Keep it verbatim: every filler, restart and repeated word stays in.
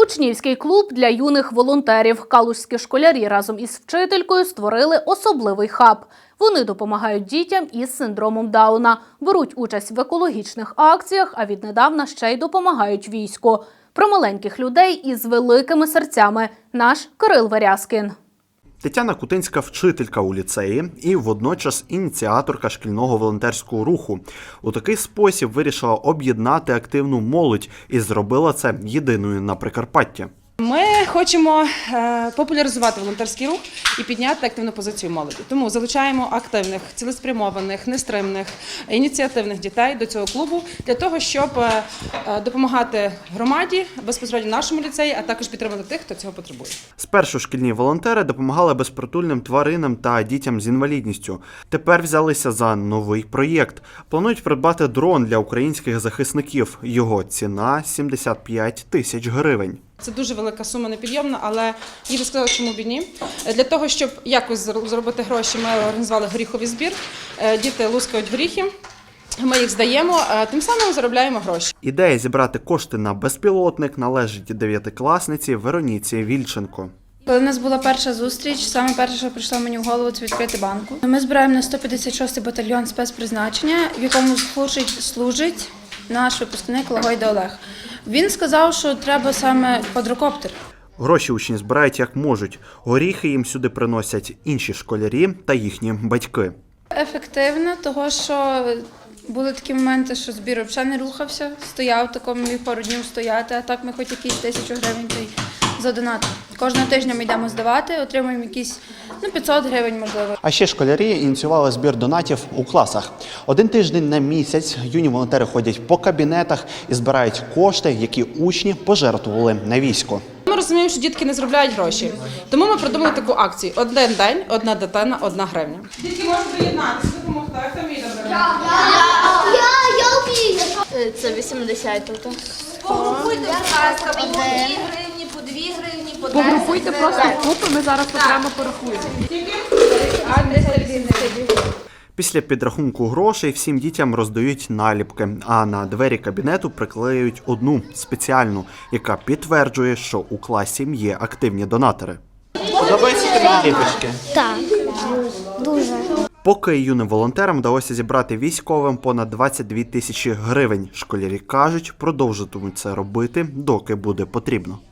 Учнівський клуб для юних волонтерів. Калузькі школярі разом із вчителькою створили особливий хаб. Вони допомагають дітям із синдромом Дауна, беруть участь в екологічних акціях, а віднедавна ще й допомагають війську. Про маленьких людей із великими серцями – наш Кирил Верязкін. Тетяна Кутинська – вчителька у ліцеї і водночас ініціаторка шкільного волонтерського руху. У такий спосіб вирішила об'єднати активну молодь і зробила це єдиною на Прикарпатті. Ми хочемо популяризувати волонтерський рух і підняти активну позицію молоді. Тому залучаємо активних, цілеспрямованих, нестримних, ініціативних дітей до цього клубу для того, щоб допомагати громаді, безпосередньо нашому ліцеї, а також підтримати тих, хто цього потребує. Спершу шкільні волонтери допомагали безпритульним тваринам та дітям з інвалідністю. Тепер взялися за новий проєкт. Планують придбати дрон для українських захисників. Його ціна – сімдесят п'ять тисяч гривень. Це дуже велика сума, непідйомна, але я би сказала, чому б і ні. Для того, щоб якось заробити гроші, ми організували горіховий збір. Діти лускають горіхи, ми їх здаємо, тим самим заробляємо гроші. Ідея зібрати кошти на безпілотник належить дев'ятикласниці Вероніці Вільченко. Коли в нас була перша зустріч, саме перше, що прийшло мені в голову, це відкрити банку. Ми збираємо на сто п'ятдесят шостий батальйон спецпризначення, в якому служить, служить наш випускник Лагойда Олег. Він сказав, що треба саме квадрокоптер. Гроші учні збирають як можуть. Горіхи їм сюди приносять інші школярі та їхні батьки. Ефективно, того що були такі моменти, що збір взагалі не рухався, стояв такому, міг пару днів стояти, а так ми хоч якісь тисячу гривень задонатили. Кожного тижня ми йдемо здавати, отримуємо якісь ну, п'ятсот гривень, можливо. А ще школярі ініціювали збір донатів у класах. Один тиждень на місяць юні волонтери ходять по кабінетах і збирають кошти, які учні пожертвували на військо. Ми розуміємо, що дітки не заробляють гроші, тому ми придумали таку акцію. Один день, одна дитина, одна гривня. Дітки можуть доєднатися, допомогти. Хто вміє добре? Я, я, я вмію. Це вісімдесят тут. Погрупуйте, будь ласка, по дві гривні, по дві гривні, по десять. Погрупуйте просто купи, ми зараз окремо порахуємо. Після підрахунку грошей всім дітям роздають наліпки, а на двері кабінету приклеюють одну спеціальну, яка підтверджує, що у класі є активні донатори. Подобаються тобі наліпочки? Так, дуже. Поки юним волонтерам вдалося зібрати військовим понад двадцять дві тисячі гривень. Школярі кажуть, продовжуватимуть це робити, доки буде потрібно.